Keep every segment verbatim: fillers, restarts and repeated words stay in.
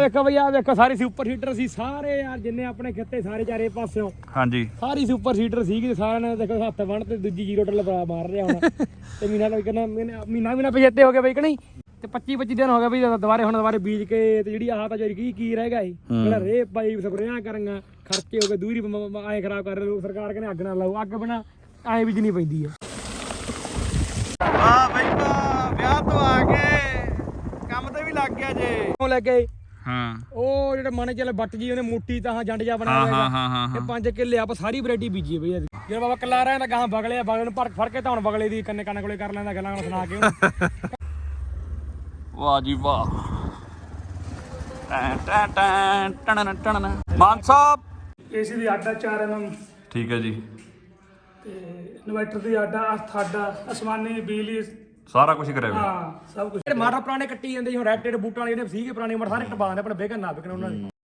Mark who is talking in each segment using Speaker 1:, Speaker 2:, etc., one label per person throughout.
Speaker 1: ਵੇਖੋ ਬਈ ਆ ਵੇਖੋ ਸਾਰੇ ਸੁਪਰ ਸੀਟਰ ਸੀ ਸਾਰੇ ਯਾਰ ਜਿੰਨੇ ਆਪਣੇ ਖਿੱਤੇ ਸਾਰੇ ਚਾਰੇ ਪਾਸਿਓਂ
Speaker 2: ਹਾਂਜੀ
Speaker 1: ਸਾਰੀ ਸੁਪਰ ਸੀਟਰ ਸੀਗੀ ਸਾਰਿਆਂ ਨੇ ਦੇਖੋ ਹੱਥ ਬਣ ਤੇ ਦੂਜੀ ਜ਼ੀਰੋ ਟੱਲ ਮਾਰ ਰਿਹਾ ਹੁਣ ਤੇ ਮਹੀਨਾ ਲੱਗ ਕਹਿੰਦਾ ਮਹੀਨਾ ਮਹੀਨਾ ਪਛੇਤੇ ਹੋ ਗਿਆ ਬਈ ਕਿ ਨਹੀਂ ਤੇ ਪੱਚੀ ਪੱਚੀ ਦਿਨ ਹੋ ਗਏ ਬਈ ਦੁਬਾਰੇ ਹੁਣ ਦੁਬਾਰੇ ਬੀਜ ਕੇ ਤੇ ਜਿਹੜੀ ਆਹ ਤਾਂ ਜਿਹੜੀ ਕੀ ਕੀ ਰਹਿ ਗਿਆ ਸੀ ਜਿਹੜਾ ਰੇ ਪਾਈ ਸਪਰੇਆਂ ਕਰਾਂਗਾ ਖਰਚੇ ਹੋ ਗਏ ਦੂਰੀ ਐਂ ਖਰਾਬ ਕਰ ਰਹੇ ਸਰਕਾਰ ਕਹਿੰਦੇ ਅੱਗ ਨਾ ਲਾਓ ਅੱਗ ਬਣਾ ਐਂ ਬੀਜਣੀ ਪੈਂਦੀ ਆ
Speaker 2: ਵਾਹ ਬਈ ਵਾਹ ਵਿਆਹ ਤੋਂ ਆ ਕੇ ਕੰਮ ਤੇ ਵੀ ਲੱਗ ਗਿਆ ਜੇ
Speaker 1: ਉਹ ਲੱਗ ਗਏ
Speaker 2: ਹਾਂ
Speaker 1: ਉਹ ਜਿਹੜੇ ਮਨ ਚੱਲ ਬੱਟ ਜੀ ਉਹਨੇ ਮੋਟੀ ਤਾਂ ਜੰਡ ਜਾ ਬਣਾਇਆ
Speaker 2: ਹਾਂ ਹਾਂ ਹਾਂ
Speaker 1: ਤੇ ਪੰਜ ਕਿੱਲੇ ਆਪਾਂ ਸਾਰੀ ਵੈਰਾਈਟੀ ਬੀਜੀ ਬਈ ਜਿਹੜਾ ਬਾਬਾ ਕੱਲਾ ਰਹਿੰਦਾ ਗਾਂ ਬਗਲੇ ਬਗਲੇ ਨੂੰ ਭਰ ਫੜ ਕੇ ਤਾਂ ਹੁਣ ਬਗਲੇ ਦੀ ਕੰਨੇ ਕੰਨ ਕੋਲੇ ਕਰ ਲੈਂਦਾ ਗੱਲਾਂ ਸੁਣਾ ਕੇ
Speaker 2: ਵਾਹ ਜੀ ਵਾਹ ਟੈਂ ਟੈਂ ਟੈਂ ਟਣ ਟਣ ਮਾਨ ਸਾਹਿਬ
Speaker 1: ਏਸੀ ਦੀ ਆਡਾ ਚਾਰ ਐਮ
Speaker 2: ਠੀਕ ਹੈ ਜੀ
Speaker 1: ਤੇ ਇਨਵਰਟਰ ਦੀ ਆਡਾ ਅਰਥ ਆਡਾ ਅਸਮਾਨੀ ਬਿਜਲੀ
Speaker 2: ਸਾਰਾ ਕੁਝ ਕਰਿਆ ਹੋਇਆ
Speaker 1: ਹਾਂ ਸਭ ਕੁਝ ਜਿਹੜੇ ਮਾੜਾ ਪੁਰਾਣੇ ਕੱਟੀ ਜਾਂਦੇ ਹੁਣ ਰੈਡ ਟੇਡ ਬੂਟਾਂ ਵਾਲੇ ਜਿਹੜੇ ਸੀਗੇ ਪੁਰਾਣੇ ਮੜ ਸਾਰੇ ਟਪਾ ਦੇ ਆਪਣੇ ਵੇਗਨ ਨਾ ਵਿਕਣ ਉਹਨਾਂ ਦੇ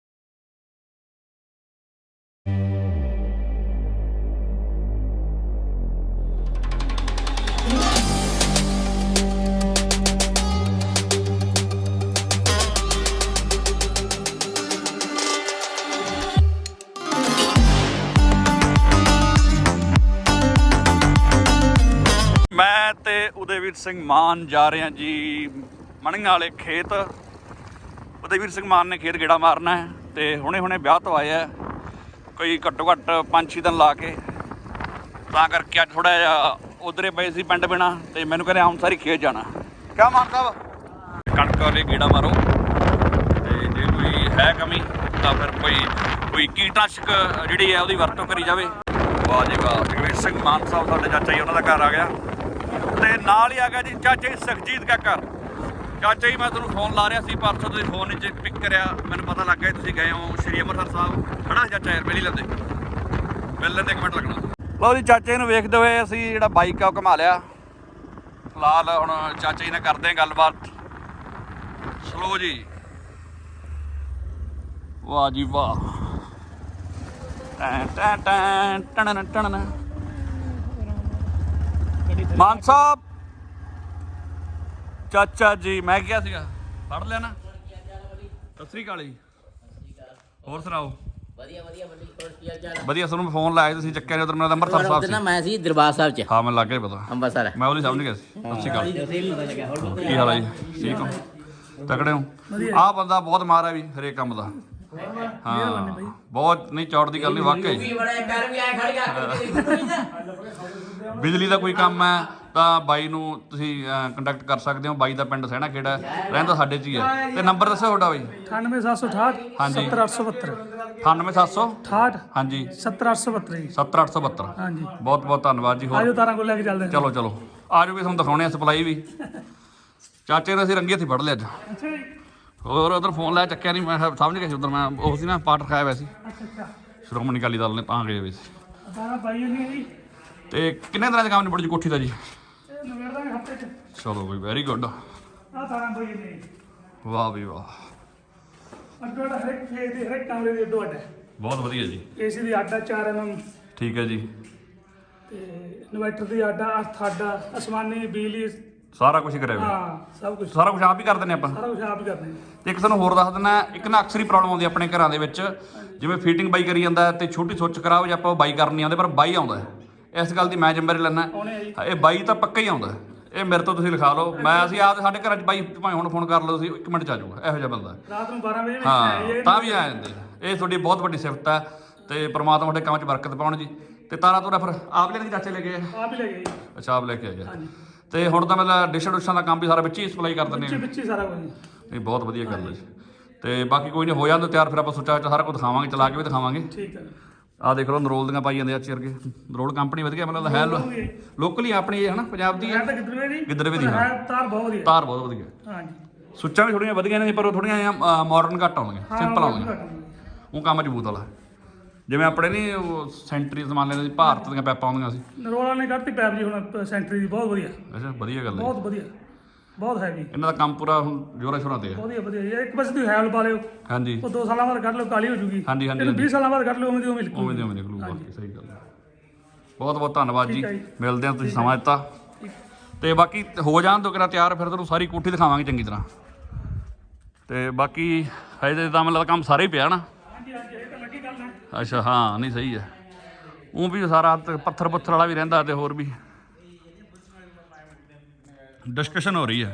Speaker 2: ਮੈਂ ਤੇ ਉਦੈਵੀਰ ਸਿੰਘ ਮਾਨ ਜਾ ਰਹੇ ਹਾਂ ਜੀ ਮਣੀਆਂ ਵਾਲੇ ਖੇਤ ਉਦੈਵੀਰ ਸਿੰਘ ਮਾਨ ਨੇ ਖੇਤ ਗੇੜਾ ਮਾਰਨਾ ਹੈ ਤੇ ਹੁਣੇ ਹੁਣੇ ਵਿਆਹ ਤੋਂ ਆਇਆ ਕੋਈ ਘੱਟੋ ਘੱਟ ਪੰਜ ਛੇ ਦਿਨ ਲਾ ਕੇ ਤਾਂ ਕਰਕੇ ਅੱਜ ਥੋੜਾ ਜਿਹਾ ਉਧਰੇ ਪਏ ਸੀ ਪਿੰਡ ਬਿਨਾ ਤੇ ਮੈਨੂੰ ਕਹਿੰਦੇ ਹੁਣ ਸਾਰੀ ਖੇਤ ਜਾਣਾ ਕਿਆ ਮਾਨ ਸਾਹਿਬ ਕਣਕ ਵਾਲੇ ਗੇੜਾ ਮਾਰੋ ਤੇ ਜੇ ਕੋਈ ਹੈ ਕਮੀ ਤਾਂ ਫਿਰ ਕੋਈ ਕੋਈ ਕੀਟਨਾਸ਼ਕ ਜਿਹੜੀ ਹੈ ਉਹਦੀ ਵਰਤੋਂ ਕਰੀ ਜਾਵੇ ਵਾਹ ਜੀ ਵਾਹ ਉਦੈਵੀਰ ਸਿੰਘ ਮਾਨ ਸਾਹਿਬ ਸਾਡੇ ਚਾਚਾ ਜੀ ਉਹਨਾਂ ਦਾ ਘਰ ਆ ਗਿਆ ਤੇ ਨਾਲ ਹੀ ਆ ਗਿਆ ਜੀ ਚਾਚਾ ਜੀ ਸੁਖਜੀਤ ਦਾ ਘਰ ਚਾਚਾ ਜੀ ਮੈਂ ਤੁਹਾਨੂੰ ਫੋਨ ਲਾ ਰਿਹਾ ਸੀ ਪਰਸੋਂ ਤੁਸੀਂ ਫੋਨ ਵਿੱਚ ਪਿਕ ਕਰਿਆ ਮੈਨੂੰ ਪਤਾ ਲੱਗ ਗਿਆ ਤੁਸੀਂ ਗਏ ਹੋ ਸ਼੍ਰੀ ਅੰਮ੍ਰਿਤਸਰ ਸਾਹਿਬ ਖੜਾ ਚਾਚਾ ਯਾਰ ਮਿਲ ਲੈਂਦੇ ਮਿਲ ਲੈਂਦੇ ਇੱਕ ਮਿੰਟ ਲੱਗਣਾ ਲਓ ਜੀ ਚਾਚੇ ਨੂੰ ਵੇਖਦੇ ਹੋਏ ਅਸੀਂ ਜਿਹੜਾ ਬਾਈਕ ਆ ਉਹ ਘੁਮਾ ਲਿਆ ਫਿਲਹਾਲ ਹੁਣ ਚਾਚਾ ਜੀ ਨਾਲ ਕਰਦੇ ਹਾਂ ਗੱਲਬਾਤ ਸਲੋ ਜੀ ਵਾਹ ਜੀ ਵਾਹ ਟੈਂ ਟੈਂ ਟੈਂ ਟਣ ਟਣ ਮਾਨ ਸਾਹਿਬ ਚਾਚਾ ਜੀ ਮੈਂ ਕਿਹਾ ਸੀਗਾ ਪੜ ਲਿਆ ਨਾ ਸਤਿ ਸ੍ਰੀ ਅਕਾਲ ਜੀ ਹੋਰ ਸੁਣਾਓ
Speaker 3: ਵਧੀਆ ਵਧੀਆ ਬੰਦੀ ਹੋਰ ਕੀ ਹਾਲ ਚਾਲ
Speaker 2: ਵਧੀਆ ਤੁਹਾਨੂੰ ਫੋਨ ਲਾਇਆ ਤੁਸੀਂ ਚੱਕਿਆ ਨਹੀਂ ਉਧਰ ਮੇਰਾ ਅੰਮ੍ਰਿਤਸਰ ਸਾਹਿਬ ਸੀ
Speaker 3: ਨਾ ਮੈਂ ਸੀ ਦਰਬਾਰ ਸਾਹਿਬ ਚ
Speaker 2: ਹਾਂ ਮੈਨੂੰ ਲੱਗ ਗਿਆ ਪਤਾ
Speaker 3: ਅੰਮ੍ਰਿਤਸਰ
Speaker 2: ਮੈਂ ਉਹਦੀ ਸਮਝ ਗਿਆ ਸੀ ਸਤਿ ਸ੍ਰੀ ਅਕਾਲ ਕੀ ਹਾਲ ਹੈ ਜੀ ਠੀਕ ਹੋ ਤਕੜੇ ਹੋ ਆਹ ਬੰਦਾ ਬਹੁਤ ਮਾਰ ਹੈ ਵੀ ਹਰੇਕ ਕੰਮ ਦਾ ਹਾਂ ਬਹੁਤ ਨਹੀਂ ਚੌੜ ਦੀ ਗੱਲ ਨਹੀਂ ਵਾਕਈ ਬਿਜਲੀ ਦਾ ਕੋਈ ਕੰਮ ਹੈ ਤਾਂ ਬਾਈ ਨੂੰ ਤੁਸੀਂ ਕੰਟੈਕਟ ਕਰ ਸਕਦੇ ਹੋ ਬਾਈ ਦਾ ਪਿੰਡ ਸਹਿਣਾ ਖੇੜਾ ਰਹਿੰਦਾ ਸਾਡੇ 'ਚ ਹੀ ਹੈ ਤੇ ਨੰਬਰ ਦੱਸੋ ਤੁਹਾਡਾ ਬਾਈ
Speaker 1: ਅਠਾਨਵੇਂ ਸੱਤ ਸੌ ਅਠਾਹਠ
Speaker 2: ਹਾਂਜੀ
Speaker 1: ਸੱਤਰ ਅੱਠ ਸੌ ਬਹੱਤਰ
Speaker 2: ਅਠਾਨਵੇਂ ਸੱਤ ਸੌ
Speaker 1: ਅਠਾਹਠ
Speaker 2: ਹਾਂਜੀ
Speaker 1: ਸੱਤਰ ਅੱਠ ਸੌ ਬਹੱਤਰ ਜੀ
Speaker 2: ਸੱਤਰ ਅੱਠ ਸੌ ਬਹੱਤਰ
Speaker 1: ਹਾਂਜੀ
Speaker 2: ਬਹੁਤ ਬਹੁਤ ਧੰਨਵਾਦ ਜੀ ਹੋਰ
Speaker 1: ਆਜੋ ਤਾਰਾਂ ਕੋਲ ਲੈ ਕੇ ਚੱਲਦੇ ਹਾਂ
Speaker 2: ਚਲੋ ਚਲੋ ਆਜੋ ਵੀ ਤੁਹਾਨੂੰ ਦਿਖਾਉਣੇ ਆ ਸਪਲਾਈ ਵੀ ਚਾਚੇ ਨੇ ਅਸੀਂ ਰੰਗੀ ਹੱਥੀ ਫੜ ਲਿਆ ਅੱਜ
Speaker 1: ਅੱਛਾ ਜੀ
Speaker 2: ਹੋਰ ਉਧਰ ਫੋਨ ਲਾਇਆ ਚੱਕਿਆ ਨਹੀਂ ਮੈਂ ਸਮਝ ਗਿਆ ਸੀ ਉਧਰ ਮੈਂ ਉਹ ਸੀ ਨਾ ਪਾਠ ਰਖਾਇਆ ਹੋਇਆ ਸੀ
Speaker 1: ਅੱਛਾ ਅੱਛਾ
Speaker 2: ਸ਼੍ਰੋਮਣੀ ਅਕਾਲੀ ਦਲ ਨੇ ਤਾਂ ਗਏ ਹੋਏ ਸੀ
Speaker 1: ਤਾਰਾਂ ਪਾਈ ਨਹੀਂ ਜੀ
Speaker 2: ਤੇ ਕਿੰਨੇ ਦਿਨਾਂ ਦਾ ਕੰਮ ਨਿਬੜ ਜੀ ਕੋਠੀ ਦਾ ਜੀ
Speaker 1: ਇਹ ਨਵੇੜ ਦਾ ਹਫਤੇ ਚ
Speaker 2: ਚਲੋ ਬਈ ਵੈਰੀ ਗੁੱਡ
Speaker 1: ਆ ਤਾਰਾਂ ਪਾਈ ਨਹੀਂ
Speaker 2: ਵਾਹ ਵੀ ਵਾਹ
Speaker 1: ਅੱਡੋ ਅੱਡ ਹਰੇਕ ਫੇਸ ਦੇ ਹਰੇਕ ਕਮਰੇ ਦੇ ਅੱਡੋ ਅੱਡ
Speaker 2: ਬਹੁਤ ਵਧੀਆ ਜੀ
Speaker 1: ਏਸੀ ਦੀ ਆਡਾ ਚਾਰ ਐਮ
Speaker 2: ਠੀਕ ਹੈ ਜੀ
Speaker 1: ਤੇ ਇਨਵਰਟਰ ਦੀ ਆਡਾ ਅਰਥ ਆਡਾ ਅਸਮਾਨੀ ਬਿਜਲੀ
Speaker 2: ਸਾਰਾ ਕੁਝ ਕਰਿਆ ਹੋਇਆ
Speaker 1: ਹਾਂ ਸਭ ਕੁਝ
Speaker 2: ਸਾਰਾ ਕੁਝ ਆਪ ਹੀ ਕਰ ਦਿੰਦੇ ਆਪਾਂ
Speaker 1: ਸਾਰਾ ਕੁਝ ਆਪ ਹੀ ਕਰਦੇ
Speaker 2: ਤੇ ਇੱਕ ਤੁਹਾਨੂੰ ਹੋਰ ਦੱਸ ਦਿੰਦਾ ਇੱਕ ਨਾ ਅਕਸਰ ਹੀ ਪ੍ਰੋਬਲਮ ਆਉਂਦੀ ਆਪਣੇ ਘਰਾਂ ਦੇ ਵਿੱਚ ਜਿਵੇਂ ਫੀਟਿੰਗ ਬਾਈ ਕਰੀ ਜਾਂਦਾ ਤੇ ਛੋਟੀ ਸੁੱਚ ਖਰਾਬ ਜਾਂ ਆਪਾਂ ਬਾਈ ਕਰਨ ਨਹੀਂ ਆਉਂਦੇ ਪਰ ਬਾਈ ਆਉਂਦਾ ਇਸ ਗੱਲ ਦੀ ਮੈਂ ਜ਼ਿੰਮੇਵਾਰੀ ਲੈਣਾ ਇਹ ਬਾਈ ਤਾਂ ਪੱਕਾ ਹੀ ਆਉਂਦਾ ਇਹ ਮੇਰੇ ਤੋਂ ਤੁਸੀਂ ਲਿਖਾ ਲਓ ਮੈਂ ਅਸੀਂ ਆਪ ਸਾਡੇ ਘਰਾਂ 'ਚ ਬਾਈ ਭਾਵੇਂ ਹੁਣ ਫੋਨ ਕਰ ਲਓ ਤੁਸੀਂ ਇੱਕ ਮਿੰਟ 'ਚ ਆ ਜਾਊਗਾ ਇਹੋ ਜਿਹਾ ਬੰਦਾ
Speaker 1: ਰਾਤ ਨੂੰ ਬਾਰਾਂ ਵਜੇ
Speaker 2: ਹਾਂ ਤਾਂ ਵੀ ਆ ਜਾਂਦੇ ਇਹ ਤੁਹਾਡੀ ਬਹੁਤ ਵੱਡੀ ਸਿਫਤ ਹੈ ਤੇ ਪ੍ਰਮਾਤਮਾ ਤੁਹਾਡੇ ਕੰਮ 'ਚ ਬਰਕਤ ਪਾਉਣ ਜੀ ਤੇ ਤਾਰਾ ਤੋਰਾ ਫਿਰ ਆਪ ਲੈ ਕੇ ਚਾਚੇ ਲੈ ਗਏ
Speaker 1: ਆਪ ਹੀ ਲੈ ਗਏ
Speaker 2: ਅੱਛਾ ਆਪ ਲੈ ਕੇ ਆਏ ਤੇ ਹੁਣ ਤਾਂ ਮਤਲਬ ਡਿਸ਼ਾਂ ਡੁਸ਼ਾਂ ਦਾ ਕੰਮ ਵੀ ਸਾਰਾ ਵਿੱਚ ਹੀ ਸਪਲਾਈ ਕਰ ਦਿੰਦੇ
Speaker 1: ਵਿੱਚ ਵਿੱਚ ਸਾਰਾ ਕੁਝ
Speaker 2: ਨਹੀਂ ਬਹੁਤ ਵਧੀਆ ਗੱਲ ਹੈ ਜੀ ਤੇ ਬਾਕੀ ਕੋਈ ਨਹੀਂ ਹੋ ਜਾਂਦਾ ਤਿਆਰ ਫਿਰ ਆਪਾਂ ਸੋਚਿਆ ਵਿੱਚ ਸਾਰਾ ਕੁਝ ਦਿਖਾਵਾਂਗੇ ਚਲਾ ਕੇ ਵੀ ਦਿਖਾਵਾਂਗੇ
Speaker 1: ਠੀਕ ਹੈ
Speaker 2: ਆਹ ਦੇਖ ਲਓ ਨਰੋਲ ਦੀਆਂ ਪਾਈ ਜਾਂਦੇ ਆ ਚਿਰ ਕੇ ਨਰੋਲ ਕੰਪਨੀ ਵਧੀਆ ਮਤਲਬ ਹੈ ਲੋਕਲੀ ਆਪਣੀ ਹੈ ਨਾ ਪੰਜਾਬ ਦੀ ਹੈ
Speaker 1: ਤਾਂ ਗਿੱਦੜਵੇ ਦੀ
Speaker 2: ਗਿੱਦੜਵੇ ਦੀ
Speaker 1: ਹੈ ਤਾਰ ਬਹੁਤ ਵਧੀਆ
Speaker 2: ਤਾਰ ਬਹੁਤ ਵਧੀਆ
Speaker 1: ਹਾਂਜੀ
Speaker 2: ਸੁੱਚਾਂ ਵੀ ਥੋੜੀਆਂ ਵਧੀਆ ਨੇ ਪਰ ਉਹ ਥੋੜੀਆਂ ਮਾਡਰਨ ਘੱਟ ਆਉਂਦੀਆਂ ਸਿੰਪਲ ਆਉਂਦੀਆਂ ਉਹ ਕੰਮ ਮਜ਼ਬੂਤ ਵਾਲਾ ਜਿਵੇਂ ਆਪਣੇ ਨਹੀਂ ਉਹ ਸੈਂਟਰੀ ਜ਼ਮਾਨੇ ਦੇ ਭਾਰਤ ਦੀਆਂ ਪੈਪਾਂ ਆਉਂਦੀਆਂ ਸੀ
Speaker 1: ਨਰੋਲਾ ਨੇ ਕੱਢਤੀ ਪੈਪ ਜੀ ਹੁਣ ਸੈਂਟਰੀ ਦੀ ਬਹੁਤ ਵਧੀਆ
Speaker 2: ਅੱਛਾ ਵਧੀਆ ਗੱਲ ਹੈ
Speaker 1: ਬਹੁਤ ਵਧੀਆ ਬਹੁਤ ਹੈਵੀ
Speaker 2: ਇਹਨਾਂ ਦਾ ਕੰਮ ਪੂਰਾ ਹੁਣ ਜੋਰਾਂ ਸ਼ੋਰਾਂ ਤੇ ਹੈ
Speaker 1: ਵਧੀਆ ਵਧੀਆ ਜੀ ਇੱਕ ਪਾਸੇ ਤੁਸੀਂ ਹੈਵਲ ਪਾ ਲਿਓ
Speaker 2: ਹਾਂਜੀ
Speaker 1: ਉਹ ਦੋ ਸਾਲਾਂ ਬਾਅਦ ਕੱਢ ਲਓ ਕਾਲੀ ਹੋ ਜੂਗੀ
Speaker 2: ਹਾਂਜੀ ਹਾਂਜੀ
Speaker 1: ਇਹਨੂੰ ਵੀਹ ਸਾਲਾਂ ਬਾਅਦ ਕੱਢ ਲਓ ਉਵੇਂ ਦੀ ਉਵੇਂ ਨਿਕਲੂ
Speaker 2: ਉਵੇਂ ਦੇ ਉਵੇਂ ਨਿਕਲੂ ਬਾਕੀ ਸਹੀ ਗੱਲ ਹੈ ਬਹੁਤ ਬਹੁਤ ਧੰਨਵਾਦ ਜੀ
Speaker 1: ਠੀਕ ਹੈ ਜੀ।
Speaker 2: ਮਿਲਦੇ ਹਾਂ ਤੁਸੀਂ ਸਮਾਂ ਦਿੱਤਾ ਤੇ ਬਾਕੀ ਹੋ ਜਾਣ ਤੋਂ ਕਿਹੜਾ ਤਿਆਰ ਫਿਰ ਤੁਹਾਨੂੰ ਸਾਰੀ ਕੋਠੀ ਦਿਖਾਵਾਂਗੇ ਚੰਗੀ ਤਰ੍ਹਾਂ ਤੇ ਬਾਕੀ ਹਜੇ ਤਾਂ ਮਤਲਬ ਕੰਮ ਸਾਰੇ ਹੀ ਪਿਆ ਨਾ। ਅੱਛਾ ਹਾਂ ਨਹੀਂ ਸਹੀ ਹੈ। ਉਹ ਵੀ ਸਾਰਾ ਤੇ ਪੱਥਰ ਪੱਥਰ ਵਾਲਾ ਵੀ ਰਹਿੰਦਾ ਤੇ ਹੋਰ ਵੀ ਡਿਸਕਸ਼ਨ ਹੋ ਰਹੀ ਹੈ।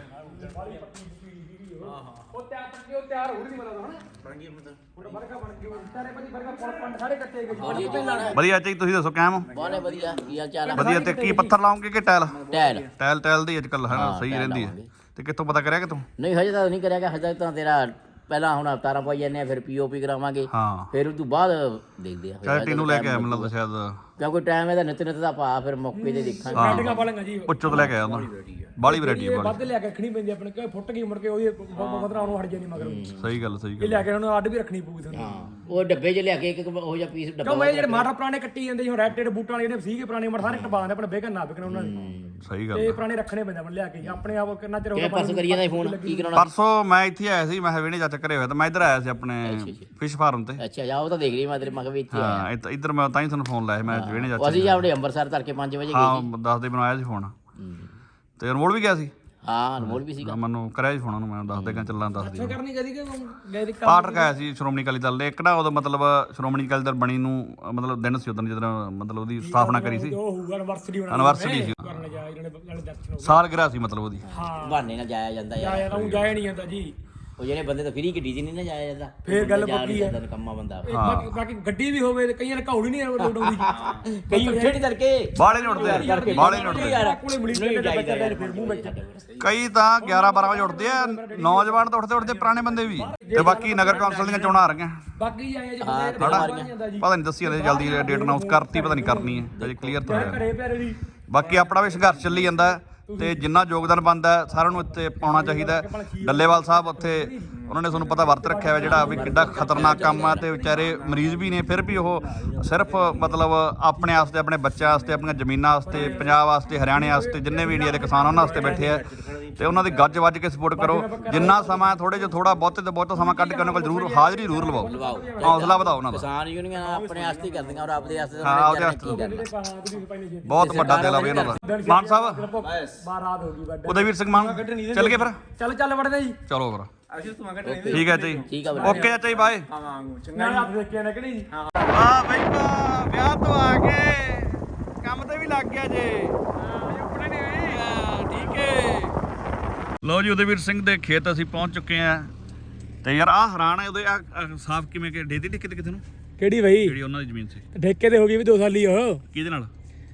Speaker 2: ਵਧੀਆ ਚਾਹੀ ਤੁਸੀਂ ਦੱਸੋ ਕਾਇਮ
Speaker 3: ਬਹੁਤ ਵਧੀਆ ਕੀ ਹਾਲ ਚਾਲ ਹੈ?
Speaker 2: ਵਧੀਆ। ਤੇ ਕੀ ਪੱਥਰ ਲਾਉਂਗੇ ਕਿ ਟਾਇਲ?
Speaker 3: ਟੈਲ
Speaker 2: ਟਾਇਲ ਟਾਇਲ ਦੀ ਅੱਜ ਕੱਲ ਹੈ ਸਹੀ ਰਹਿੰਦੀ ਹੈ। ਤੇ ਕਿੱਥੋਂ ਪਤਾ ਕਰਿਆ ਕਿ ਤੂੰ?
Speaker 3: ਨਹੀਂ ਹਜੇ ਤਾਂ ਨਹੀਂ ਕਰਿਆ ਗਿਆ, ਹਜੇ ਤਾਂ ਤੇਰਾ ਪਹਿਲਾਂ ਹੁਣ ਅਵਤਾਰਾਂ ਪਾਈ ਜਾਂਦੇ ਆ, ਫਿਰ ਪੀਓਪੀ ਕਰਾਵਾਂਗੇ,
Speaker 2: ਹਾਂ
Speaker 3: ਫਿਰ ਉਸ ਤੋਂ ਬਾਅਦ ਦੇਖਦੇ ਆ।
Speaker 2: ਚਾਹੇ ਟੀਨੂੰ ਲੈ ਕੇ ਆਇਆ ਮੈਨੂੰ ਲੱਗਦਾ ਸ਼ਾਇਦ
Speaker 3: ਕਿਉਂਕਿ ਟਾਈਮ ਇਹਦਾ ਨਿਤ ਨਿਤ ਦਾ ਭਾ, ਫਿਰ ਮੌਕੇ ਤੇ ਦੇਖਾਂਗੇ।
Speaker 1: ਪਾਲਾਂਗਾ ਜੀ
Speaker 2: ਉੱਚੋਂ ਤੋਂ ਲੈ ਕੇ ਆਇਆ ਉਹਨਾਂ ਬਾਲੀ ਵੈਰਾਈਟੀ ਹੈ।
Speaker 1: ਵੱਧ ਲਿਆ ਕੇ ਰੱਖਣੀ ਪੈਂਦੀ ਆਪਣੇ ਕੋਈ ਫੁੱਟ ਗਈ ਮੁੜ ਕੇ ਉਹਦੀ ਮਤਲਬ ਉਹਨੂੰ ਹਟ ਜਾਣੀ ਮਗਰ
Speaker 2: ਸਹੀ ਗੱਲ ਸਹੀ
Speaker 1: ਇਹ
Speaker 2: ਗੱਲ
Speaker 1: ਲਿਆ ਕੇ ਉਹਨੂੰ ਅੱਡ ਵੀ ਰੱਖਣੀ ਪਊਗੀ ਤੁਹਾਨੂੰ।
Speaker 3: ਹਾਂ ਉਹ ਡੱਬੇ 'ਚ ਲਿਆ ਕੇ ਇੱਕ ਇੱਕ ਉਹ ਜਿਹਾ ਪੀਸ ਡੱਬਾ
Speaker 1: ਕਿਉਂ ਇਹ ਜਿਹੜੇ ਮਾਡਲ ਪੁਰਾਣੇ ਕੱਟੀ ਜਾਂਦੇ ਹੁਣ ਰੈਡ ਟੇਡ ਬੂਟਾਂ ਵਾਲੇ ਜਿਹੜੇ ਸੀਗੇ ਪੁਰਾਣੇ ਮਾਡਲ ਸਾਰੇ ਟਪਾ ਦੇ ਆਪਣੇ ਬੇਕਨ ਨਾ ਵਿਕਣ ਉਹਨਾਂ ਨੇ।
Speaker 2: ਸਹੀ ਗੱਲ
Speaker 1: ਤੇ ਪੁਰਾਣੇ ਰੱਖਣੇ ਪੈਂਦੇ ਆਪਣੇ ਲਿਆ ਕੇ ਆਪਣੇ ਆਪ ਕਿੰਨਾ ਚਿਰ ਹੋ ਗਿਆ
Speaker 3: ਪਰਸੋਂ ਕਰੀਏ ਦਾ ਫੋਨ ਕੀ ਕਰਾਉਣਾ?
Speaker 2: ਪਰਸੋਂ ਮੈਂ ਇੱਥੇ ਆਇਆ ਸੀ, ਮੈਂ ਹਵੇਣੇ ਚਾਚਾ ਘਰੇ ਹੋਇਆ ਤਾਂ ਮੈਂ ਇੱਧਰ ਆਇਆ ਸੀ ਆਪਣੇ ਫਿਸ਼ ਫਾਰਮ ਤੇ।
Speaker 3: ਅੱਛਾ ਜਾ ਉਹ ਤਾਂ ਦੇਖ ਲਈ ਮੈਂ ਤੇਰੇ ਮਗਰ ਵੀ ਇੱਥੇ ਆਇਆ।
Speaker 2: ਹਾਂ ਇੱਧ- ਇੱਧਰ ਮੈਂ ਤਾਂ ਹੀ ਤੁਹਾਨੂੰ ਫੋਨ ਲਾਇਆ ਮੈਂ ਹਵੇਣੇ ਚਾਚਾ।
Speaker 3: ਅਸੀਂ ਆਪਣੇ ਅੰਮ੍ਰਿਤਸਰ ਤੜਕੇ ਪੰਜ ਵਜੇ ਗਏ
Speaker 2: ਹਾਂ ਦੱਸ ਦੇ ਬਣਾਇਆ ਸੀ ਫੋਨ ਤੇ ਅਨਮੋਲ ਵੀ ਗਿਆ ਸੀ।
Speaker 3: ਹਾਂ ਅਨਮੋਲ ਵੀ ਸੀਗਾ।
Speaker 2: ਮੈਨੂੰ ਕਰਿਆ ਸੀ ਫੋਨ ਉਹਨੂੰ ਮੈਂ ਦੱਸ ਦੇ ਕਿ ਚੱਲਾਂ ਦੱਸ ਦੇ
Speaker 1: ਕਰਨੀ ਕਦੀ ਕਿ ਗਏ
Speaker 2: ਪਾਠ ਰਖਾਇਆ ਸੀ ਸ਼੍ਰੋਮਣੀ ਅਕਾਲੀ ਦਲ ਦੇ। ਇੱਕ ਨਾ ਉਦੋਂ ਮਤਲਬ ਸ਼੍ਰੋਮਣੀ ਅਕਾਲੀ ਦਲ ਬਣੀ ਨੂੰ ਮਤਲਬ ਦਿਨ ਸੀ ਉਦੋਂ ਜਦੋਂ ਮਤਲਬ ਉਹਦੀ ਸਥਾਪਨਾ ਕਰੀ ਸੀ।
Speaker 1: ਉਹ ਹੋਊਗਾ ਐਨਵਰਸਰੀ ਹੋਣਾ
Speaker 2: ਐਨਵਰਸਰੀ ਸੀ
Speaker 1: ਕਰਨ ਜਾ ਇਹਨਾਂ ਨੇ ਨਾਲੇ ਦਰਸ਼ਨ
Speaker 2: ਸਾਲਗਿਰਾ ਸੀ ਮਤਲਬ ਉਹਦੀ।
Speaker 1: ਹਾਂ
Speaker 3: ਬਹਾਨੇ ਨਾਲ ਜਾਇਆ ਜਾਂਦਾ ਯਾਰ।
Speaker 1: ਜਾਇਆ ਤਾਂ ਉਹ ਜਾਇਆ ਨਹੀਂ ਜਾਂਦਾ ਜੀ।
Speaker 3: ਉਹ ਜਿਹੜੇ ਬੰਦੇ ਤਾਂ ਫਰੀ ਗੱਡੀ 'ਚ ਨਹੀਂ ਨਾ ਜਾਇਆ ਜਾਂਦਾ,
Speaker 1: ਫੇਰ ਗੱਲ
Speaker 3: ਜਾ
Speaker 1: ਪੱਕੀ
Speaker 3: ਨਹੀਂ
Speaker 1: ਹੈ।
Speaker 3: ਜਾਂਦਾ ਨਿਕੰਮਾ ਬੰਦਾ।
Speaker 1: ਇਹ ਬਾਕੀ ਬਾਕੀ ਗੱਡੀ ਵੀ ਹੋਵੇ ਤੇ ਕਈਆਂ ਨੇ ਘੌੜੀ ਨਹੀਂ ਲੋਡ ਆਉਂਦੀ।
Speaker 3: ਕਈ ਉੱਠੇ ਨਹੀਂ ਤੜਕੇ
Speaker 2: ਬਾਲੇ ਨਹੀਂ ਉੱਠਦੇ ਬਾਲੇ ਨਹੀਂ ਉੱਠਦੇ।
Speaker 1: ਕੋਲੇ ਮਿਲੀ ਜਾਂਦੇ ਬੱਚੇ ਦੇ ਫਿਰ ਮੂੰਹ ਵਿੱਚ
Speaker 2: ਕਈ ਤਾਂ ਗਿਆਰਾਂ ਬਾਰਾਂ ਵਜੇ ਉੱਠਦੇ ਆ, ਨੌਜਵਾਨ ਤਾਂ ਉੱਠਦੇ ਉੱਠਦੇ ਪੁਰਾਣੇ ਬੰਦੇ ਵੀ। ਤੇ ਬਾਕੀ ਨਗਰ ਕੌਂਸਲ ਦੀਆਂ ਚੋਣਾਂ ਆ ਰਹੀਆਂ।
Speaker 1: ਬਾਕੀ ਜਾਇਆ ਜੀ
Speaker 2: ਪਤਾ ਨਹੀਂ ਦੱਸੀ ਜਾਂਦੇ ਜਲਦੀ ਡੇਟ ਅਨਾਉਂਸ ਕਰਤੀ, ਪਤਾ ਨਹੀਂ ਕਰਨੀ ਹੈ ਅਜੇ ਕਲੀਅਰ ਤਾਂ ਹੋਇਆ।
Speaker 1: ਘਰੇ ਪਿਆਰੇ ਦੀ
Speaker 2: ਬਾਕੀ ਆਪਣਾ ਵੀ ਸੰਘਰਸ਼ ਚੱਲੀ ਜਾਂਦਾ ਹੈ ਤੇ ਜਿੰਨਾ ਯੋਗਦਾਨ ਬਣਦਾ ਹੈ ਸਾਰਿਆਂ ਨੂੰ ਇੱਥੇ ਪਾਉਣਾ ਚਾਹੀਦਾ ਹੈ। ਡੱਲੇਵਾਲ ਸਾਹਿਬ ਉੱਥੇ ਉਹਨਾਂ ਨੇ ਤੁਹਾਨੂੰ ਪਤਾ ਵਰਤ ਰੱਖਿਆ ਹੋਇਆ ਜਿਹੜਾ ਵੀ ਕਿੱਡਾ ਖਤਰਨਾਕ ਕੰਮ ਆ। ਤੇ ਵਿਚਾਰੇ ਮਰੀਜ਼ ਵੀ ਨੇ ਫਿਰ ਵੀ ਉਹ ਸਿਰਫ ਮਤਲਬ ਆਪਣੇ ਵਾਸਤੇ, ਆਪਣੇ ਬੱਚਿਆਂ ਵਾਸਤੇ, ਆਪਣੀਆਂ ਜ਼ਮੀਨਾਂ ਵਾਸਤੇ, ਪੰਜਾਬ ਵਾਸਤੇ, ਹਰਿਆਣੇ ਵਾਸਤੇ, ਜਿੰਨੇ ਵੀ ਇੰਡੀਆ ਦੇ ਕਿਸਾਨ ਉਹਨਾਂ ਵਾਸਤੇ ਬੈਠੇ ਆ। ਤੇ ਉਹਨਾਂ ਦੀ ਗੱਜ ਵੱਜ ਕੇ ਸਪੋਰਟ ਕਰੋ। ਜਿੰਨਾ ਸਮਾਂ ਥੋੜੇ ਜਿਹਾ ਥੋੜਾ ਬਹੁਤੇ ਤੋਂ ਬਹੁਤਾ ਸਮਾਂ ਕੱਢ ਕੇ ਉਹਨਾਂ ਕੋਲ ਜ਼ਰੂਰ ਹਾਜ਼ਰੀ ਜ਼ਰੂਰ ਲਵਾਓ, ਹੌਸਲਾ ਵਧਾਓ ਉਹਨਾਂ ਦਾ।
Speaker 3: ਕਿਸਾਨ ਯੂਨੀਅਨ ਆਪਣੇ ਵਾਸਤੇ ਕਰਦੀਆਂ ਔਰ ਆਪਦੇ ਵਾਸਤੇ
Speaker 2: ਹਾਂ ਉਹਦੇ ਵਾਸਤੇ ਬਹੁਤ ਵੱਡਾ ਦਿਲ ਆ ਬਈ ਉਹਨਾਂ ਦਾ। ਮਾਨ ਸਾਹਿਬ
Speaker 1: ਬਾਰਾਤ ਹੋ ਗਈ ਵੱਡੇ
Speaker 2: ਉਦयवीर ਸਿੰਘ ਮਾਨ ਚੱਲ ਗਏ ਫਿਰ?
Speaker 1: ਚੱਲ ਚੱਲ ਵੜਦੇ ਜੀ।
Speaker 2: ਚਲੋ ਫਿਰ ਠੀਕ ਹੈ ਜੀ
Speaker 3: ਠੀਕ ਆ
Speaker 2: ਓਕੇ ਚਾਚਾ ਜੀ ਬਾਏ।
Speaker 1: ਮੈਂ ਹੱਥ ਦੇਖ ਕੇ ਨਾ ਕਿਹੜੀ ਜੀ
Speaker 2: ਵਾਹ ਬਈ ਵਾਹ, ਵਿਆਹ ਤੋਂ ਆ ਕੇ ਕੰਮ ਤੇ ਵੀ ਲੱਗ ਗਿਆ ਜੇ। ਆਪਣੇ ਨਹੀਂ ਹੋਈ ਹਾਂ ਠੀਕ ਹੈ। ਲਓ ਜੀ ਉਦयवीर ਸਿੰਘ ਦੇ ਖੇਤ ਅਸੀਂ ਪਹੁੰਚ ਚੁੱਕੇ ਆ। ਤੇ ਯਾਰ ਆਹ ਹੈਰਾਨ ਹੈ ਉਹਦੇ ਆ ਸਾਫ਼ ਕਿਵੇਂ ਕਿ ਡੇਦੀ ਟਿੱਕੇ ਤੇ ਕਿਤੇ ਨੂੰ
Speaker 1: ਕਿਹੜੀ ਬਈ
Speaker 2: ਜਿਹੜੀ ਉਹਨਾਂ ਦੀ ਜ਼ਮੀਨ ਸੀ
Speaker 1: ਠੇਕੇ ਤੇ ਹੋ ਗਈ ਵੀ ਦੋ ਸਾਲੀ ਉਹ
Speaker 2: ਕਿਹਦੇ ਨਾਲ?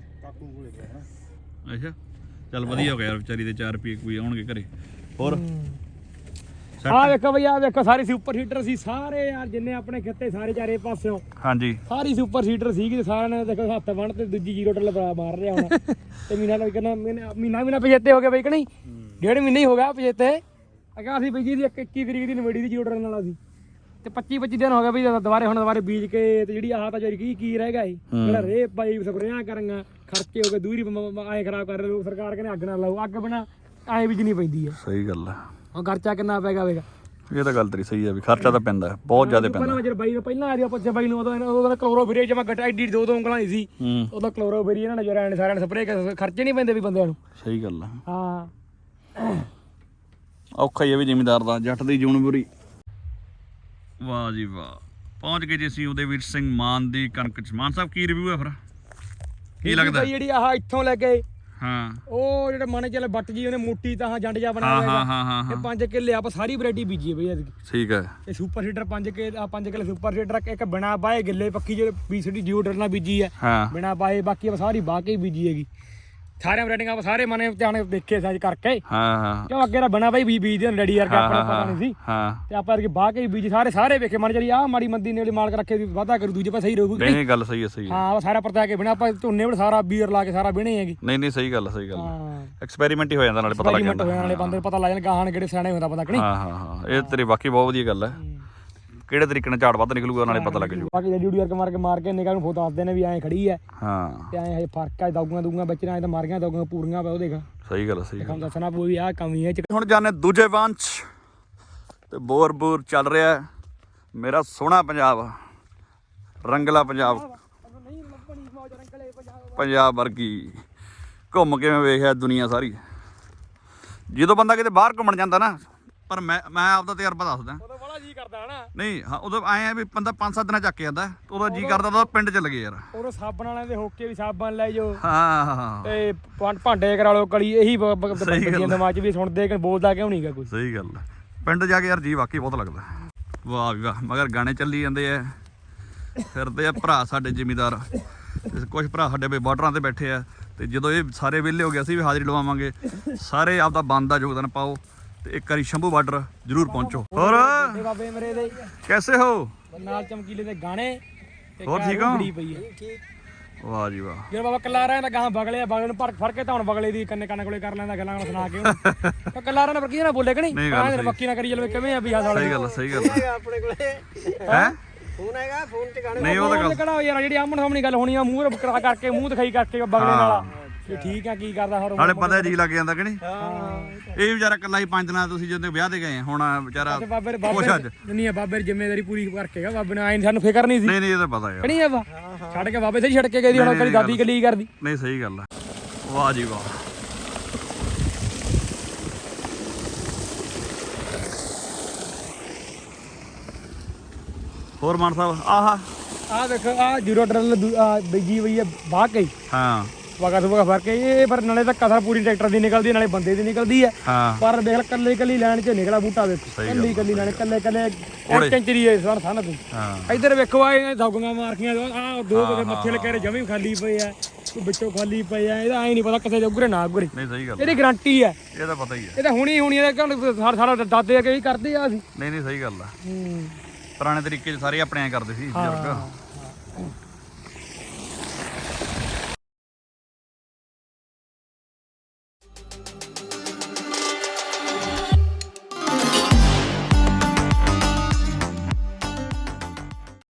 Speaker 2: ਅੱਛਾ ਚੱਲ ਵਧੀਆ ਹੋ ਗਿਆ ਯਾਰ, ਵਿਚਾਰੀ ਦੇ ਚਾਰ ਰੁਪਏ ਕੋਈ ਆਉਣਗੇ ਘਰੇ। ਹੋਰ
Speaker 1: ਆਹ ਵੇਖੋ ਬਈ ਆਹ ਵੇਖੋ ਸਾਰੀ ਸੁਪਰ ਹੀਟਰ ਸੀ ਸਾਰੇ ਯਾਰ ਜਿੰਨੇ ਆਪਣੇ ਖੇਤੇ ਸਾਰੇ ਚਾਰੇ ਪਾਸਿਓਂ
Speaker 2: ਹਾਂਜੀ
Speaker 1: ਸਾਰੀ ਸੁਪਰ ਹੀਟਰ ਸੀਗੀ। ਸਾਰਿਆਂ ਨੇ ਦੇਖੋ ਹੱਥ ਵੰਡ ਤੇ ਦੂਜੀ ਜ਼ੀਰੋ ਟੱਲ ਮਾਰ ਰਿਹਾ ਹੁਣ। ਤੇ ਮੀਨਾ ਨਾਲ ਕਹਿੰਦਾ ਮਹੀਨਾ ਮਹੀਨਾ ਪਜੇਤੇ ਹੋ ਗਏ ਬਈ ਕਿ ਨਹੀਂ? ਡੇਢ ਮਹੀਨਾ ਹੀ ਹੋ ਗਿਆ ਪਜੇਤੇ। ਅਗਾ ਅਸੀਂ ਬਈ ਜੀ ਦੀ ਇੱਕੀ ਤਰੀਕ ਦੀ ਨਵੇੜੀ ਦੀ ਜ਼ੀਰੋ ਟੱਲ ਨਾਲ ਅਸੀਂ ਤੇ ਪੱਚੀ ਪੱਚੀ ਦਿਨ ਹੋ ਗਏ ਬਈ ਦੁਬਾਰੇ ਹੁਣ ਦੁਬਾਰੇ ਬੀਜ ਕੇ ਤੇ ਜਿਹੜੀ ਆਹ ਤਾਂ ਜਿਹੜੀ ਕੀ ਕੀ ਰਹਿ ਗਿਆ ਸੀ ਜਿਹੜਾ ਰੇ ਪਾਈ ਸਪਰੇਆਂ ਕਰਾਂਗਾ ਖਰਚੇ ਹੋ ਗਏ ਦੂਰੀ ਆਏ ਖਰਾਬ ਕਰ ਰਹੇ ਸਰਕਾਰ ਕਹਿੰਦੇ ਅੱਗ ਨਾ ਲਾਓ। ਅੱਗ ਬਣਾ ਐਂ ਬੀਜਣੀ ਪੈਂਦੀ ਹੈ।
Speaker 2: ਸਹੀ ਗੱਲ ਹੈ।
Speaker 1: ਉਹ ਖਰਚਾ ਕਿੰਨਾ ਪੈ ਗਿਆ ਵੇਗਾ।
Speaker 2: ਇਹ ਤਾਂ ਗੱਲ ਤੇਰੀ ਸਹੀ ਹੈ ਵੀ ਖਰਚਾ ਤਾਂ ਪੈਂਦਾ ਹੈ, ਬਹੁਤ ਜ਼ਿਆਦਾ ਪੈਂਦਾ।
Speaker 1: ਪਹਿਲਾਂ ਜਦ ਬਾਈ ਨੂੰ ਪਹਿਲਾਂ ਆ ਰਿਹਾ ਪੁੱਛਿਆ ਬਾਈ ਨੂੰ ਉਦੋਂ ਉਹਦਾ ਕਲੋਰੋਫੀਰੀ ਜਮਾ ਘਟਾ ਐਡੀ ਦੋ ਦੋ ਉਂਗਲਾਂ ਹੀ ਸੀ।
Speaker 2: ਹੂੰ
Speaker 1: ਉਹਦਾ ਕਲੋਰੋਫੀਰੀ ਇਹਨਾਂ ਨੇ ਜਰਾ ਸਾਰਿਆਂ ਨੇ ਸਪਰੇਅ ਖਰਚੇ ਨਹੀਂ ਪੈਂਦੇ ਵੀ ਬੰਦਿਆਂ ਨੂੰ।
Speaker 2: ਸਹੀ ਗੱਲ ਹੈ।
Speaker 1: ਹਾਂ
Speaker 2: ਔਖਾ ਹੀ ਹੈ ਵੀ ਜ਼ਿਮੀਂਦਾਰ ਦਾ, ਜੱਟ ਦੀ ਜੂਨ ਬੁਰੀ। ਵਾਹ ਜੀ ਵਾਹ, ਪਹੁੰਚ ਗਏ ਜੀ ਅਸੀਂ ਉਦयवीर ਸਿੰਘ ਮਾਨ ਦੀ ਕਣਕ ਚ। ਮਾਨ ਸਾਹਿਬ ਕੀ ਰਿਵਿਊ ਹੈ ਫਿਰ, ਕੀ ਲੱਗਦਾ?
Speaker 1: ਜਿਹੜੀ ਆਹ ਇੱਥੋਂ ਲੈ ਕੇ
Speaker 2: ਹਾਂ
Speaker 1: ਉਹ ਜਿਹੜਾ ਮਨ ਚੱਲ ਬੱਟ ਜੀ ਉਹਨੇ ਮੋਟੀ ਤਾਂ ਜੰਡ ਜਾ
Speaker 2: ਹਾਂ
Speaker 1: ਬਣਾਇਆ
Speaker 2: ਹਾਂ ਹਾਂ ਹਾਂ
Speaker 1: ਇਹ ਪੰਜ ਕਿੱਲੇ ਆਪਾਂ ਸਾਰੀ ਵੈਰਾਈਟੀ ਬੀਜੀ ਹੈ ਬਈ ਐਤਕੀ।
Speaker 2: ਠੀਕ ਹੈ।
Speaker 1: ਇਹ ਸੁਪਰ ਹੀਟਰ ਪੰਜ ਕੇ ਆ ਪੰਜ ਕਿੱਲੇ ਸੁਪਰ ਹੀਟਰ ਇੱਕ ਬਿਨਾ ਬਾਏ ਗਿੱਲੇ ਪੱਕੀ ਜਿਹੜੇ ਬੀਸੀਡੀ ਜੀਓ ਡਰ ਨਾਲ ਬੀਜੀ ਹੈ
Speaker 2: ਹਾਂ
Speaker 1: ਬਿਨਾ ਬਾਏ, ਬਾਕੀ ਆਪਾਂ ਸਾਰੀ ਬਾਹ ਕੇ ਹੀ ਬੀਜੀ ਹੈਗੀ। ਸਾਰੀਆਂ ਵੈਰਾਈਟੀਆਂ ਆਪਾਂ ਸਾਰੇ ਮਨੇ ਧਿਆਨ ਦੇਖੇ ਸਾਜ ਕਰਕੇ
Speaker 2: ਹਾਂ ਹਾਂ
Speaker 1: ਕਿਉਂ ਅੱਗੇ ਦਾ ਬਣਾ ਬਾਈ ਬੀਜ ਬੀਜ ਦੇ ਰੈਡੀ ਕਰਕੇ ਆਪਣਾ ਪਤਾ ਨਹੀਂ ਸੀ।
Speaker 2: ਹਾਂ
Speaker 1: ਤੇ ਆਪਾਂ ਅਰਗੇ ਬਾਹ ਕੇ ਬੀਜ ਸਾਰੇ ਸਾਰੇ ਵੇਖੇ ਮਨ ਚਲੀ ਆਹ ਮਾੜੀ ਮੰਦੀ ਨੇ ਮਾਲਕ ਰੱਖੇ ਵੀ ਵਾਧਾ ਕਰੂ ਦੂਜੇ ਪਾਸੇ ਸਹੀ ਰਹੂਗੀ।
Speaker 2: ਨਹੀਂ ਗੱਲ ਸਹੀ ਹੈ ਸਹੀ ਹੈ।
Speaker 1: ਹਾਂ ਸਾਰਾ ਪਰਤਾ ਕੇ ਬਿਨਾ ਆਪਾਂ ਝੋਨੇ ਵਾਲ ਸਾਰਾ ਬੀਅਰ ਲਾ ਕੇ ਸਾਰਾ ਬਿਨੇ ਹੈਗੀ।
Speaker 2: ਨਹੀਂ ਨਹੀਂ ਸਹੀ ਗੱਲ ਸਹੀ ਗੱਲ
Speaker 1: ਹਾਂ
Speaker 2: ਐਕਸਪੈਰੀਮੈਂਟ ਹੀ ਹੋ ਜਾਂਦਾ ਨਾਲੇ ਪਤਾ ਲੱਗ ਜਾਂਦਾ।
Speaker 1: ਨਾਲੇ ਬੰਦੇ ਨੂੰ ਪਤਾ ਲੱਗ ਜਾਂਦਾ ਗਾਹਾਂ ਕਿਹੜੇ ਸਿਆਣੇ ਹੁੰਦਾ ਪਤਾ ਕਿ ਨਹੀਂ।
Speaker 2: ਹਾਂ ਹਾਂ ਹਾਂ ਇਹ ਤੇਰੀ ਬਾਕੀ ਬਹੁਤ ਵਧੀਆ ਗੱਲ ਹੈ। ਕਿਹੜੇ ਤਰੀਕੇ ਨਾਲ ਝਾੜ ਵੱਧ ਨਿਕਲੂਗਾ ਨਾਲੇ ਪਤਾ ਲੱਗ ਜੂ।
Speaker 1: ਬਾਕੀ ਜਿਹੜੀ ਡਿਊਟੀ ਕਰਕੇ ਮਾਰ ਕੇ ਮਾਰ ਕੇ ਨਿਗਾਹ ਨੂੰ ਫੋਟੋ ਦੱਸਦੇ ਨੇ ਵੀ ਐਂ ਖੜੀ ਐ
Speaker 2: ਹਾਂ
Speaker 1: ਤੇ ਐਂ ਹਜੇ ਫਰਕ ਆ ਦਊਗਾ ਦਊਗਾ ਬੱਚਿਆਂ ਐ ਤਾਂ ਮਾਰੀਆਂ ਦਊਗਾ ਪੂਰੀਆਂ ਪਾ ਉਹ ਦੇਖ
Speaker 2: ਸਹੀ ਗੱਲ ਸਹੀ ਗੱਲ।
Speaker 1: ਕੰਮ ਦੱਸਣਾ ਪਊ ਵੀ ਆਹ ਕਮੀ ਐ।
Speaker 2: ਹੁਣ ਜਾਣੇ ਦੂਜੇ ਵਾਂਚ ਤੇ ਬੋਰ ਬੋਰ ਚੱਲ ਰਿਹਾ ਮੇਰਾ ਸੋਹਣਾ ਪੰਜਾਬ, ਰੰਗਲਾ ਪੰਜਾਬ, ਪੰਜਾਬ ਵਰਗੀ ਘੁੰਮ ਕੇ ਮੈਂ ਵੇਖਿਆ ਦੁਨੀਆ ਸਾਰੀ। ਜਦੋਂ ਬੰਦਾ ਕਿਤੇ ਬਾਹਰ ਘੁੰਮਣ ਜਾਂਦਾ ਨਾ ਪਰ ਮੈਂ ਮੈਂ ਆਪਦਾ ਤਜਰਬਾ ਦੱਸਦਾ।
Speaker 1: ਉਦੋਂ ਬੜਾ ਜੀ ਕਰਦਾ ਹਨਾ।
Speaker 2: ਨਹੀਂ ਹਾਂ ਉਦੋਂ ਆਏ ਆ ਵੀ ਬੰਦਾ ਪੰਜ ਸੱਤ ਦਿਨਾਂ ਚੱਕ ਕੇ ਜਾਂਦਾ, ਉਦੋਂ ਜੀ ਕਰਦਾ ਤਾਂ ਪਿੰਡ ਚ ਲੱਗੇ ਯਾਰ।
Speaker 1: ਉਦੋਂ ਸਾਬਣ ਵਾਲਿਆਂ ਦੇ ਹੋਕੇ ਵੀ ਸਾਬਣ ਲੈ ਜਾਓ
Speaker 2: ਹਾਂ ਹਾਂ
Speaker 1: ਤੇ ਭਾਂ- ਭਾਂਡੇ ਕਰਾ ਲਓ ਕਲੀ, ਇਹੀ ਬੱਚਿਆਂ ਦਿਮਾਗ 'ਚ ਵੀ ਸੁਣਦੇ ਕਿ ਬੋਲਦਾ ਕਿਉਂ ਨਹੀਂਗਾ ਕੋਈ।
Speaker 2: ਸਹੀ ਗੱਲ ਹੈ। ਪਿੰਡ ਜਾ ਕੇ ਯਾਰ ਜੀ ਵਾਕਈ ਬਹੁਤ ਲੱਗਦਾ। ਵਾਹ ਵੀ ਵਾਹ, ਮਗਰ ਗਾਣੇ ਚੱਲੀ ਜਾਂਦੇ ਆ, ਫਿਰਦੇ ਆ ਭਰਾ ਸਾਡੇ ਜ਼ਿਮੀਦਾਰ, ਕੁਝ ਭਰਾ ਸਾਡੇ ਬਈ ਬਾਰਡਰਾਂ ਤੇ ਬੈਠੇ ਆ, ਤੇ ਜਦੋਂ ਇਹ ਸਾਰੇ ਵਿਹਲੇ ਹੋ ਗਏ ਅਸੀਂ ਵੀ ਹਾਜ਼ਰੀ ਲਵਾਵਾਂਗੇ। ਸਾਰੇ ਆਪਦਾ ਬੰਦ ਦਾ ਯੋਗਦਾਨ ਪਾਓ ਤੇ ਇੱਕ ਵਾਰੀ ਸ਼ੰਭੂ ਬਾਰਡਰ ਜ਼ਰੂਰ ਪਹੁੰਚੋ। ਹੋਰ
Speaker 1: ਤੇ ਬਾਬੇ ਮੇਰੇ ਦੇ
Speaker 2: ਕੈਸੇ ਹੋ?
Speaker 1: ਨਾਲ ਚਮਕੀਲੇ ਦੇ ਗਾਣੇ ਤੇ
Speaker 2: ਹੋਰ
Speaker 1: ਘਰ
Speaker 2: ਠੀਕ ਹੋ?
Speaker 1: ਬੜੀ ਪਈ ਹੈ।
Speaker 2: ਵਾਹ ਜੀ ਵਾਹ।
Speaker 1: ਜਦੋਂ ਬਾਬਾ ਕਲਾਰਾਂ ਦਾ ਗਾਂ ਬਗਲੇ ਬਗਲੇ ਨੂੰ ਭਰ ਫੜ ਕੇ ਤਾਂ ਹੁਣ ਬਗਲੇ ਦੀ ਕੰਨੇ ਕੰਨ ਕੋਲੇ ਕਰ ਲੈਂਦਾ ਗੱਲਾਂ ਨਾਲ ਸੁਣਾ ਕੇ ਉਹਨੂੰ ਕਲਾਰਾਂ ਨੇ ਕੀ ਨਾ ਬੋਲੇ ਕਿ ਨਹੀਂ
Speaker 2: ਨਹੀਂ ਗੱਲ ਸਹੀ।
Speaker 1: ਬੱਕੀ ਨਾ ਕਰੀ ਚਲੋ ਕਿਵੇਂ ਆ ਵੀ ਆ ਸਾਲੇ
Speaker 2: ਸਹੀ ਗੱਲ ਸਹੀ ਗੱਲ
Speaker 4: ਆਪਣੇ ਕੋਲੇ
Speaker 2: ਹੈ।
Speaker 4: ਫੋਨ ਹੈਗਾ, ਫੋਨ ਤੇ ਗਾਣੇ
Speaker 2: ਨਹੀਂ ਉਹ ਤਾਂ ਗੱਲ
Speaker 1: ਕਿਹੜਾ ਯਾਰ ਜਿਹੜੀ ਆਮਣ ਸਾਹਮਣੀ ਗੱਲ ਹੋਣੀ ਆ ਮੂੰਹ ਕਰਾ ਕਰਕੇ ਮੂੰਹ ਦਿਖਾਈ ਕਰਕੇ ਬਗਲੇ ਨਾਲ ਵੀ ਠੀਕ ਆ ਕੀ ਕਰਦਾ ਹੋਰ
Speaker 2: ਨਾਲੇ ਪਤਾ ਜੀ ਲੱਗ ਜਾਂਦਾ ਕਿ ਨਹੀਂ।
Speaker 4: ਹਾਂ
Speaker 2: ਇਹ ਵਿਚਾਰਾ ਇਕੱਲਾ ਹੀ ਪੰਜ ਦਿਨਾਂ ਤੁਸੀਂ ਜਦੋਂ ਵਿਆਹ ਤੇ ਗਏ ਆ, ਹੁਣ ਵਿਚਾਰਾ
Speaker 1: ਤੇ ਬਾਬੇ
Speaker 2: ਖੁਸ਼ ਅੱਜ।
Speaker 1: ਬਾਬੇ ਨਹੀਂ ਆ ਬਾਬੇ ਦੀ ਜ਼ਿੰਮੇਵਾਰੀ ਪੂਰੀ ਕਰਕੇ ਗਾ ਬਾਬੇ ਨੇ ਆਏ ਸਾਨੂੰ ਫਿਕਰ ਨਹੀਂ ਸੀ
Speaker 2: ਨਹੀਂ ਨਹੀਂ ਇਹ ਤਾਂ ਪਤਾ ਯਾਰ।
Speaker 1: ਨਹੀਂ ਆ ਵਾ ਛੱਡ ਕੇ ਬਾਬੇ ਸਹੀ ਛੱਡ ਕੇ ਗਈ ਹੁਣ ਕਦੀ ਦਾਦੀ ਕਲੀ ਕਰਦੀ।
Speaker 2: ਨਹੀਂ ਸਹੀ ਗੱਲ ਹੈ। ਵਾਹ ਜੀ ਵਾਹ। ਹੋਰ ਮਾਨ ਸਾਹਿਬ ਆਹਾ
Speaker 1: ਆਹ ਦੇਖ ਆਹ ਜ਼ੀਰੋ ਡਰਲ ਬੀਜੀ ਹੋਈ ਹੈ ਬਾਹ ਕੇ
Speaker 2: ਹਾਂ
Speaker 1: ਵਗਾ ਸੁਗਾ ਫੜ ਕੇ ਇਹ ਪਰ ਨਾਲੇ ਤਾਂ ਕਸਰ ਪੂਰੀ ਟਰੈਕਟਰ ਦੀ ਨਿਕਲਦੀ ਹੈ ਨਾਲੇ ਬੰਦੇ ਦੀ ਨਿਕਲਦੀ ਹੈ।
Speaker 2: ਹਾਂ
Speaker 1: ਪਰ ਦੇਖ ਕੱਲੇ ਕੱਲੀ ਲਾਈਨ 'ਚ ਨਿਕਲਾ ਬੂਟਾ ਵੇਖ ਕੱਲੀ ਕੱਲੀ ਲਾਈਨ ਕੱਲੇ ਕੱਲੇ ਇੱਕ ਇੰਚਰੀ ਹੈ ਸਨ ਸਨ ਤੂੰ
Speaker 2: ਹਾਂ
Speaker 1: ਇੱਧਰ ਵੇਖੋ ਆ ਇਹ ਦੌਗੀਆਂ ਮਾਰਕੀਆਂ ਆਹ ਦੋ ਕਿਤੇ ਮੱਥੇ ਲੱਗੇ ਜਮੀ ਖਾਲੀ ਪਏ ਆ ਕੋਈ ਵਿੱਚੋਂ ਖਾਲੀ ਪਏ ਆ। ਇਹਦਾ ਐ ਨਹੀਂ ਪਤਾ ਕਿੱਥੇ ਜੋਗਰੇ ਨਾ ਗੁਰੇ
Speaker 2: ਨਹੀਂ ਸਹੀ ਗੱਲ
Speaker 1: ਇਹਦੀ ਗਾਰੰਟੀ ਹੈ।
Speaker 2: ਇਹ ਤਾਂ ਪਤਾ ਹੀ ਹੈ।
Speaker 1: ਇਹ ਤਾਂ ਹੁਣੀ ਹੁਣੀ ਇਹਦਾ ਸਾਰਾ ਸਾਰਾ ਦਾਦੇ ਆ ਕਈ ਕਰਦੇ ਆ ਅਸੀਂ।
Speaker 2: ਨਹੀਂ ਨਹੀਂ ਸਹੀ ਗੱਲ ਆ।
Speaker 1: ਹੂੰ
Speaker 2: ਪੁਰਾਣੇ ਤਰੀਕੇ 'ਚ ਸਾਰੇ ਆਪਣੇ ਐ ਕਰਦੇ ਸੀ ਬਜ਼ੁਰਗ।